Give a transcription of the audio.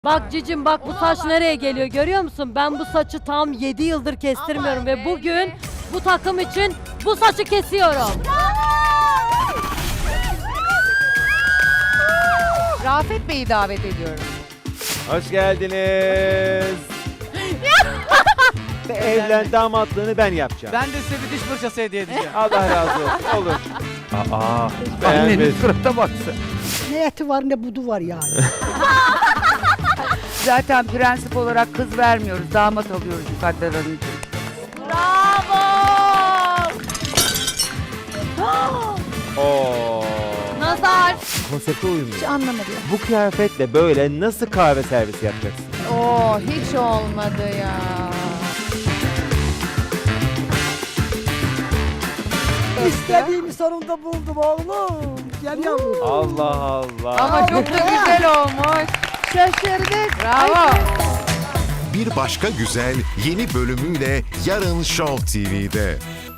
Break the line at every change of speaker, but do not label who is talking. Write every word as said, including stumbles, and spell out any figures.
Bak cicim bak bu saç nereye geliyor görüyor musun? Ben bu saçı tam yedi yıldır kestirmiyorum ve bugün bu takım için bu saçı kesiyorum.
Rafet Bey'i davet ediyorum.
Hoş geldiniz. Ve evlen damatlığını ben yapacağım.
Ben de size bir diş fırçası hediye edeceğim.
Allah razı olsun. Olur.
Aa,
Beğenmedim.
annenin surata baksın.
Ne eti var ne budu var yani.
Zaten prensip olarak kız vermiyoruz, damat alıyoruz Mukadder Hanımcığım.
Oo.
Nazar.
Konsepte uymuyor.
Hiç anlamadım.
Bu kıyafetle böyle nasıl kahve servisi yapacaksın?
Oo, hiç olmadı ya.
İstediğimi sonunda buldum oğlum. Gel yavrum.
Allah Allah.
Ama çok da güzel olmuş.
Şaşırdık.
Bravo.
Bir Başka Güzel yeni bölümüyle yarın Show T V'de.